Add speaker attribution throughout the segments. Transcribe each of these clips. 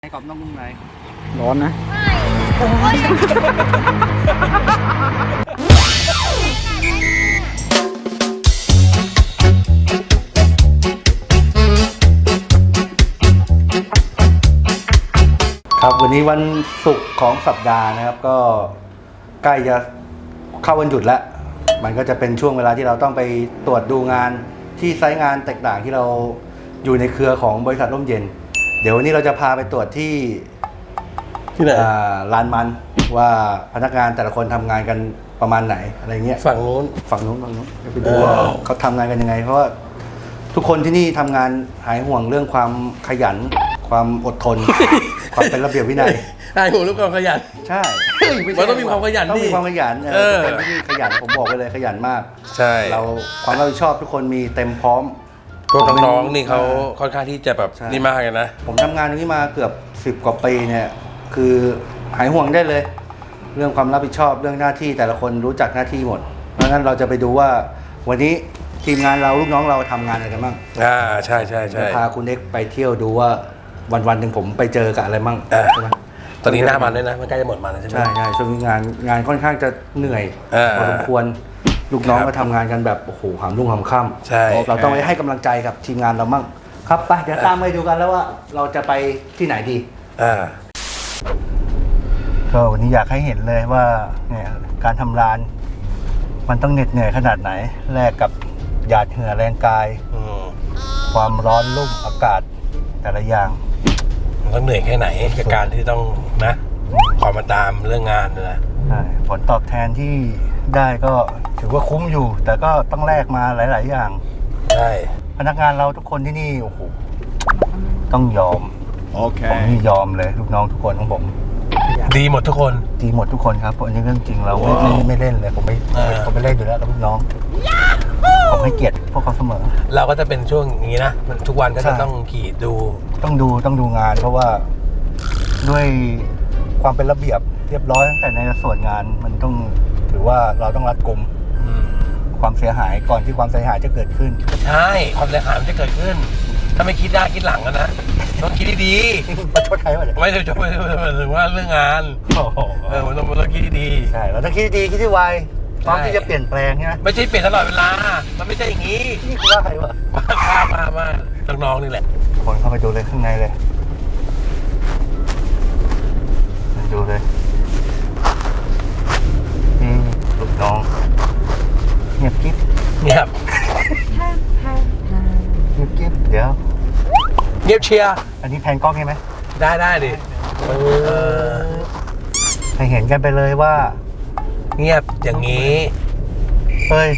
Speaker 1: ไอ้กรอบนอกนุ่มใน
Speaker 2: ร้อนนะ
Speaker 3: ครับวันนี้วันศุกร์ของสัปดาห์นะครับก็ใกล้จะเข้าวันหยุดแล้วมันก็จะเป็นช่วงเวลาที่เราต้องไปตรวจดูงานที่ไซต์งานต่างๆที่เราอยู่ในเครือของบริษัทร่มเย็นเดี๋ยววันนี้เราจะพาไปตรวจที่
Speaker 2: ไหน
Speaker 3: ลานมันว่าพนักงานแต่ละคนทำงานกันประมาณไหนอะไรเงี้ย
Speaker 2: ฝั่งนู้น
Speaker 3: ไปดูว่าเขาทำงานกันยังไงเพราะว่าทุกคนที่นี่ทำงานหายห่วงเรื่องความขยันความอดทน ความเป็นระเบียบวินัย
Speaker 2: หายห่วงเรื่องความขยัน
Speaker 3: ใช่
Speaker 2: มันต้องมีความขยัน
Speaker 3: ต้องมีความขยันคนที่นี่ขยันผมบอกไปเลยขยันมาก
Speaker 2: ใช่
Speaker 3: เราความรับผิดชอบทุกคนมีเต็มพร้อม
Speaker 2: พวกน้องๆนี่เขาค่อนข้างที่จะแบบนี่มากเลยนะ
Speaker 3: ผมทำงานตรงนี้มาเกือบ10 กว่าปีเนี่ยคือหายห่วงได้เลยเรื่องความรับผิดชอบเรื่องหน้าที่แต่ละคนรู้จักหน้าที่หมดเพราะงั้นเราจะไปดูว่าวันนี้ทีมงานเราลูกน้องเราทำงานอะไรกันบ้าง
Speaker 2: ใช่ใช่ใช่
Speaker 3: พาคุณเอ็กไปเที่ยวดูว่าวันหนึ่งผมไปเจอกับอะไรบ้างใช่ไหม
Speaker 2: ตอนนี้หน้ามันด้วยนะมันใกล้จะหมดมันแล้วใช่ไหม
Speaker 3: ใช่ช่วงนี้งานค่อนข้างจะเหนื่อยพอสมควรลูกน้องก็ทำงานกันแบบโอ้โหหามรุ่งหามค่ำ
Speaker 2: ใช่
Speaker 3: เราต้องไปให้กำลังใจกับทีมงานเรามั่งครับไปเดี๋ยวตามไปดูกันแล้วว่าเราจะไปที่ไหนดีก็วันนี้อยากให้เห็นเลยว่าเนี่ยการทำร้านมันต้องเหน็ดเหนื่อยขนาดไหนแลกกับหยาดเหงื่อแรงกายความร้อนลุ่มอากาศแต่ละอย่าง
Speaker 2: มันต้องเหนื่อยแค่ไหนกับการที่ต้องนะขอมาตามเรื่องงานนะ
Speaker 3: ใช่ผลตอบแทนที่ได้ก็ถือว่าคุ้มอยู่แต่ก็ต้องแลกมาหลายๆอย่าง
Speaker 2: ใช่
Speaker 3: พนักงานเราทุกคนที่นี่โอ้โหต้องยอม
Speaker 1: โอเค
Speaker 3: ผมนี่ยอมเลยลูกน้องทุกคนของผม
Speaker 2: ดีหมดทุกคน
Speaker 3: ดีหมดทุกคนครับอันนี้เรื่องจริงเราไม่เล่นเลยผมไม่เล่นอยู่แล้วกับลูกน้องผมให้เกียรติพวกเขาเสมอ
Speaker 2: เราก็จะเป็นช่วงอย่างนี้นะทุกวันก็จะต้องขี่ดู
Speaker 3: ต้องดูงานเพราะว่าด้วยความเป็นระเบียบเรียบร้อยตั้งแต่ในส่วนงานมันต้องถือว่าเราต้องรัดกุมความเสียหายก่อนที่ความเสียหายจะเกิดขึ้น
Speaker 2: ใช่ความเสียหายมันจะเกิดขึ้นถ้าไม่คิดได้คิดหลังนะต้องคิดดี
Speaker 3: ๆประชดใครวะเนี่ย
Speaker 2: ไม่ถึงว่าเรื่องงานมันต้องคิดดี
Speaker 3: ใช่เราต้องคิดดีคิดที่ไวพร้อมที่จะเปลี่ยนแปลงใช่ไหม
Speaker 2: ไม่ใช่เปลี่ยนตลอดเวลามันไม่ใช่อย่างนี้
Speaker 3: นี่คือว่าใครวะ
Speaker 2: มาน้องๆนี่แหละ
Speaker 3: คนเข้าไปดูเลยข้างในเลยดูเลยนี่ลูกน้องเงียบกิ๊บ
Speaker 2: เงียบ
Speaker 3: กิ๊บเดี๋ยว
Speaker 2: เงียบเชียร์
Speaker 3: อันนี้แพนกล้องใช่ไหม
Speaker 2: ได้ดิ
Speaker 3: ให้เห็นกันไปเลยว่า
Speaker 2: เงียบอย่างนี้
Speaker 3: เฮ้ย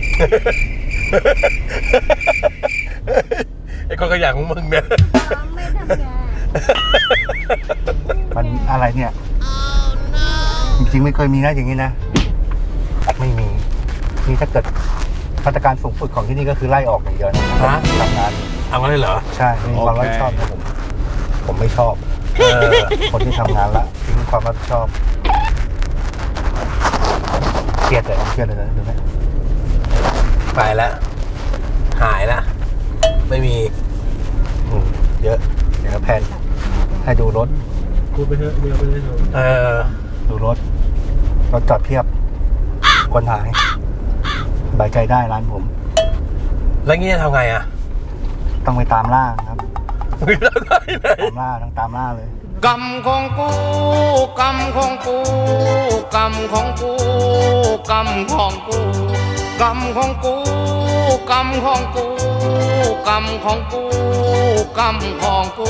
Speaker 2: ไอ้คนขยันของมึงเนี่ย
Speaker 4: ไม่ทำงาน
Speaker 3: มันอะไรเนี่ยจริงๆไม่เคยมีนะอย่างนี้นะไม่มีนี่ถ้าเกิดมาตรการสูงสุดของที่นี่ก็คือไล่ออกอย่างเดียวนะทำงาน
Speaker 2: เอางั้นเลยเหรอ
Speaker 3: ใช่มีความรับผิดชอบนะผมไม่ชอบคนที่ทำงานละทิ้งความรับผิดชอบเครียดเลยนะดูไหม
Speaker 2: ไปแล้วหายละไม่มี
Speaker 3: เยอะเดี๋ยวแพนให้ดูรถ
Speaker 1: พูดไปเถอะเดี๋ยวไปเลย
Speaker 3: ดูรถจอดเพียบคนหายสบายใจได้ร้านผม
Speaker 2: แล้วงี้จะทำไงอ่ะ
Speaker 3: ต้องไปตามล่าครับตามล่าต้องตามล่าเลย
Speaker 2: กรรมของกูกรรมของกูกรรมของกูกรรมของกูกรรมของกูกรรมของกูกรรมของกูกรรมของกู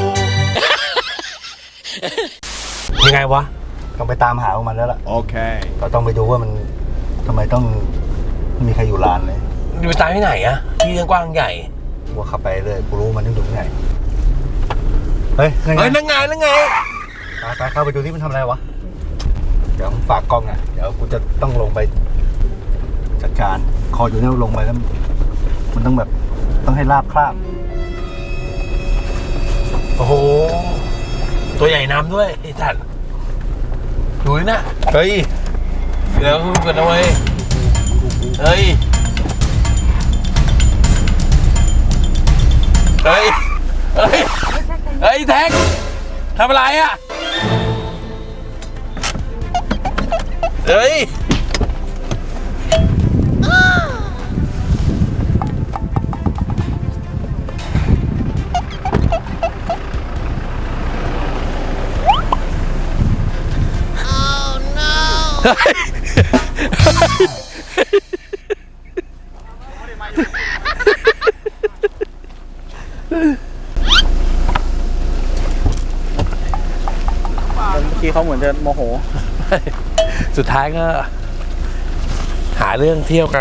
Speaker 2: ยังไงวะ
Speaker 3: ต้องไปตามหามันแล้วล่ะ
Speaker 1: โอเค
Speaker 3: เราต้องไปดูว่ามันทำไมต้องมีใครอยู่ร้านเลย
Speaker 2: อยู่ตามที่ไหนอะที่กว้างใหญ่
Speaker 3: ว่าขับไปเลยกูรู้มันต้องอยู่ที่ไหนเฮ้ย
Speaker 2: นั่งไง
Speaker 3: ไปเข้าไปดูที่มันทำอะไรวะเดี๋ยวฝากกล้องอ่ะเดี๋ยวกูจะต้องลงไปจัดการคออยู่เนี่ยลงไปแล้วมันต้องแบบต้องให้ราบคราบ
Speaker 2: โอ้โหตัวใหญ่น้ำด้วยไอ้สัตว์ดูดินะเฮ้ยเดี๋ยวเกิดเอาไว้เฮ้ยแท็ก
Speaker 4: ทำอะไรอ่ะ เฮ้ย
Speaker 5: เมื่อกี้เขาเหมือนจะโมโห
Speaker 4: สุดท้ายก็ หาเรื่องเที่ยวกัน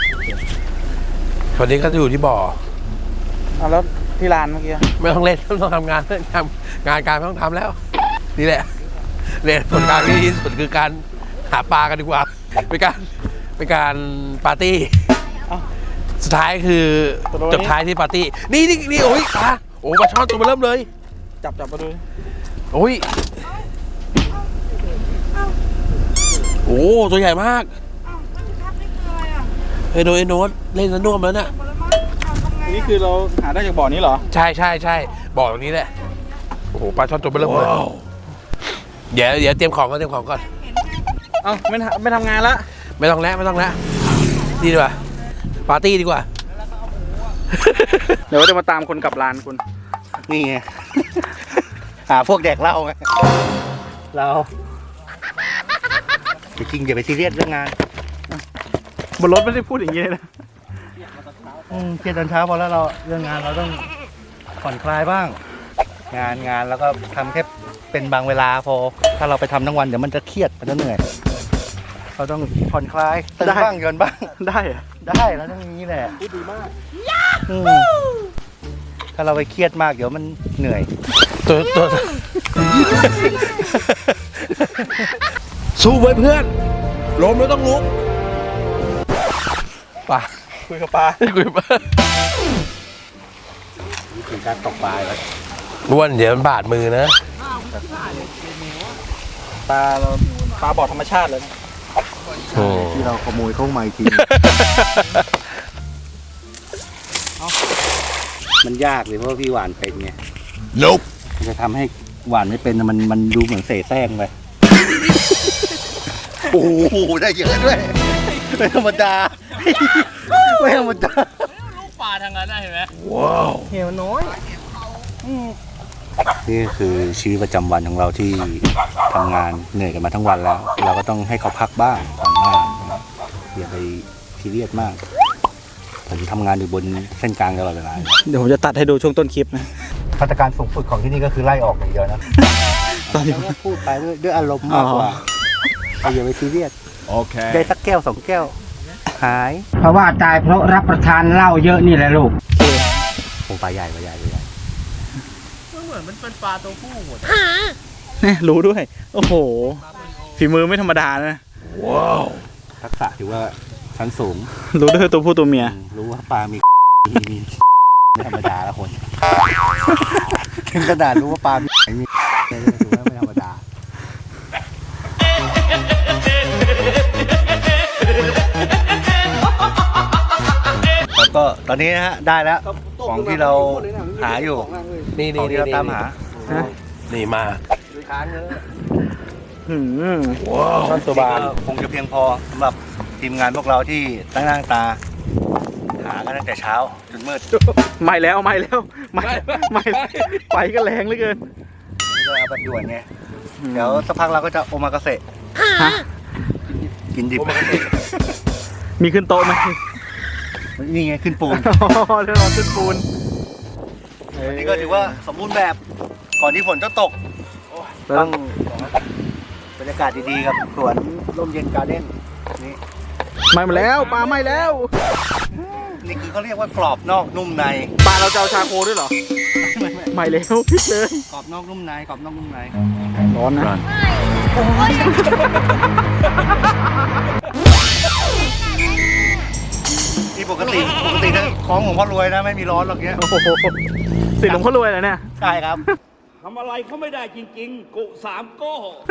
Speaker 4: วันนี้ก็อยู่ที่บ่อ
Speaker 5: เอาแล้วที่ร้านเมื่อกี้
Speaker 4: ไม่ต้องเล่นไม่ต้องทำงานทำงานการไม่ต้องทำแล้ว นี่แหละเล่นผลการที่ดีที่สุดคือการหาปลากันดีกว่าเป็นการปาร์ตี้ สุดท้ายคือจบท้ายที่ปาร์ตี้ นี่โอ้ยปลาโอ้ปลาช่อนตัวมาเริ่มเลย
Speaker 5: จับมาดู
Speaker 4: โอ้ยโอ้ตัวใหญ่มากเฮ้ยโดยโน้ตเล่นสนุกแล้วน่ะ
Speaker 5: นี่คือเราหาได้จากบ่อนี้เหรอ
Speaker 4: ใช่บ่อตรงนี้แหละโอ้โหปลาช่อนตัวมาเริ่มเลยเดี๋ยวเตรียมของก่อน
Speaker 5: เอ้าไม่ทำงานละ
Speaker 4: ไม่ต้องแล้วนี่ดีกว่าปาร์ตี้ดีกว่า
Speaker 5: เดี๋ยวจะมาตามคนกลับร้านคุณ
Speaker 3: นี่ไง หาพวกแดกเหล้าไงเราจริงๆอย่าไปซีเรียสเรื่องงาน
Speaker 5: บนรถไม่ได้พูดอย่างนี้เลยนะ
Speaker 3: เครียดตอนเช้าพอแล้วเราเรื่องงานเราต้องผ่อนคลายบ้าง งานแล้วก็ทำแค่เป็นบางเวลาพอ ถ้าเราไปทำทั้งวันเดี๋ยวมันจะเครียดมันจะเหนื่อย เราต้องผ่อนคลายตื่นบ้างหย่อนบ้าง
Speaker 5: ได้เหรอ
Speaker 3: ได้แล้วต้องอย่างนี้แหละพูดดีมากถ้าเราไปเครียดมากเดี๋ยวมันเหนื่อย
Speaker 4: ตัวสู้ไว้เพื่อนล้มแล้วต้องลุกป่ะ
Speaker 5: คุยกับปลา
Speaker 3: วิธีการตกปลาเลย
Speaker 4: อ้วนเดี๋ยวมันบาดมือนะ
Speaker 5: ปลาบ่อธรรมชาติเลยนะ
Speaker 3: ที่เราขโมยเข้ามาอีกที มันยากเลยเพราะว่าพี่หวานเป็นไง
Speaker 4: Nope
Speaker 3: มันจะทำให้หวานไม่เป็นมันดูเหมือนเสแสร้งไป โอ้โหได้เยอะด้วยไม่ธรรมดาไม่ธรรมดา
Speaker 5: ลูกปลาทางนั้นได้เห็นไหม
Speaker 4: ว้าว
Speaker 5: เหี่ยวน้อย
Speaker 3: นี่คือชีวิตประจำวันของเราที่ทำงานเหนื่อยกันมาทั้งวันแล้ว เราก็ต้องให้เขาพักบ้างทำบ้างอย่าไปซีเรียสมากผมทำงานอยู่บนเส้นกลางตลอดเวลา
Speaker 5: เดี๋ยวผมจะตัดให้ดูช่วงต้นคลิปนะ
Speaker 3: มาตรการสูงสุดของที่นี่ก็คือไล่ออกอย่างเดียวนะ
Speaker 5: ตอนนี้
Speaker 3: พูดไปด้วยอารมณ์มากกว่าอย่าไปซีเรียส
Speaker 1: Okay.
Speaker 3: ได้สักแก้ว2 แก้ว หาย
Speaker 6: เพราะว่าตายเพราะรับประทานเหล้าเยอะนี่แหละลูก
Speaker 3: โอ้ปลาใหญ่
Speaker 5: เนี่ยรู้ด้วย โอ้โห ฝีมือไม่ธรรมดานะ
Speaker 4: ว้าว
Speaker 3: ทักษะถือว่าชั้นสูง
Speaker 5: รู้ด้วยตัวผู้ตัวเมีย
Speaker 3: รู้ว่าปลามี ไม่ธรรมดาละคน ถึงขนาดรู้ว่าปลามีถือว่าไม่ธรรมดา แล้วก็ตอนนี้นะฮะได้แล้วของที่เราหาอยู่
Speaker 4: นี่
Speaker 3: ของที่เราตามหา
Speaker 4: นี่มา
Speaker 5: ว้าวช่อนตัวบาน
Speaker 3: คงจะเพียงพอสำหรับทีมงานพวกเราที่ตั้งหน้าตา หากันตั้งแต่เช้าจนมืด
Speaker 5: ไม่แล้วไม่ไปก็แรงเหลือเกิน
Speaker 3: นี่ก็เอาแบบด่วนไงเดี๋ยวสักพักเราก็จะโอมากาเสะ
Speaker 5: ฮะ
Speaker 3: กินดิบ
Speaker 5: มีขึ้นโต๊ะไหม
Speaker 3: นี่ไงขึ้นปูน
Speaker 5: อ๋อเรื่องขึ้นปูน
Speaker 3: วันนี้ก็ถือว่าสมบูรณ์แบบก่อนที่ฝนจะตกต้องบรรยากาศดีๆกับสวนร่มเย็นการ์เด้นนี่
Speaker 5: ไม่มาแล้วปลาไม่แล้ว
Speaker 3: นี่คือเขาเรียกว่ากรอบนอกนุ่มใน
Speaker 5: ปลาเราจะเอาชาโคด้วยเหรอ ไม่แล้วพลิกเลย
Speaker 3: กรอบนอกนุ่มในกรอบนอกนุ่มใน
Speaker 5: ร้อนนะ
Speaker 3: นี่ปกตินะของของพ่อรวยนะไม่มีร้อนหรอกเนี้ย
Speaker 5: โอ้โหสิหลวงพ่อรวยเหรอเนี่ย
Speaker 3: ใช่ครับ
Speaker 7: ทำอะไรเขาไม่ได้จริงๆ กุสามโก้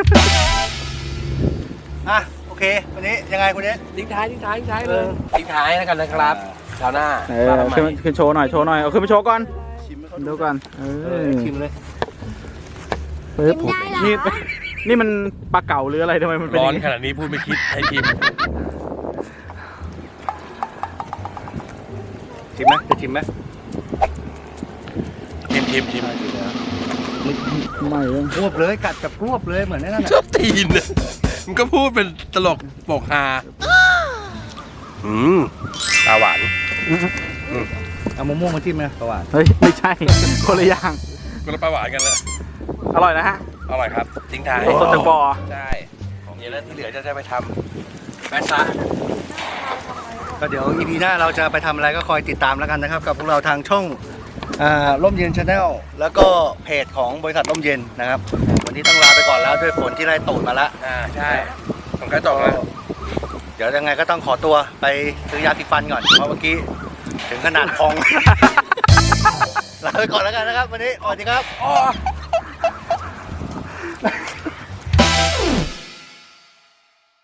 Speaker 3: อ่ะโอเควันนี้ยังไงคุณเนี้ย
Speaker 4: ทิ้งท้ายเลยทิ้งท้ายแล้วกันนะครับคราวหน้า
Speaker 5: ขึ้นโชว์หน่อย เอาขึ้นไปโชว์ก่อน ดูก่อน
Speaker 3: ชิมเลย
Speaker 5: ปึ๊บ
Speaker 8: กินได้เหรอ
Speaker 5: นี่นี่มันปลาเก๋าหรืออะไรทำไมมันเป็น
Speaker 4: ร้
Speaker 5: อ
Speaker 4: อน
Speaker 5: ย่างนี้
Speaker 4: ขนาดนี้พูดไม่คิดให้ชิม
Speaker 3: ชิมไหมจะชิมไหม
Speaker 4: ชิม
Speaker 5: ไม่เลย
Speaker 3: กรวบเลยกัดกับกรวบเลยเหมือนนั่น
Speaker 4: ชอบตีนอะมันก็พูดเป็นตลกโปกฮาตาหวาน
Speaker 3: เอามะม่วงมาจิ้มไหมประวัติ
Speaker 5: เฮ้ย ไม่ใช่ คนละอย่าง
Speaker 4: ก็แล้วปลาหวานกันแล้ว
Speaker 5: อร่อยนะฮะ
Speaker 4: อร่อยครับทิ้งท้าย
Speaker 5: สดจากบ่อ
Speaker 4: ใช่เดี๋ยวแล้วที่เหลือจะได้ไปทำแปะซะ
Speaker 3: ก็เดี๋ยว EP หน้าเราจะไปทำอะไรก็คอยติดตามแล้วกันนะครับ กับพวกเราทางช่องร่มเย็นชาแนลแล้วก็เพจของบริษัทร่มเย็นนะครับวันนี้ต้องลาไปก่อนแล้วด้วยฝนที่ไล่ตูดมาแล้ว
Speaker 4: ใช่ผมก็ตกแล้ว
Speaker 3: เดี๋ยวยังไงก็ต้องขอตัวไปซื้อยาสีฟันก่อนเพราะเมื่อกี้ถึงขนาดพอง ลาไปก่อนแล้วกันนะครับวันนี้สวัสดีครับ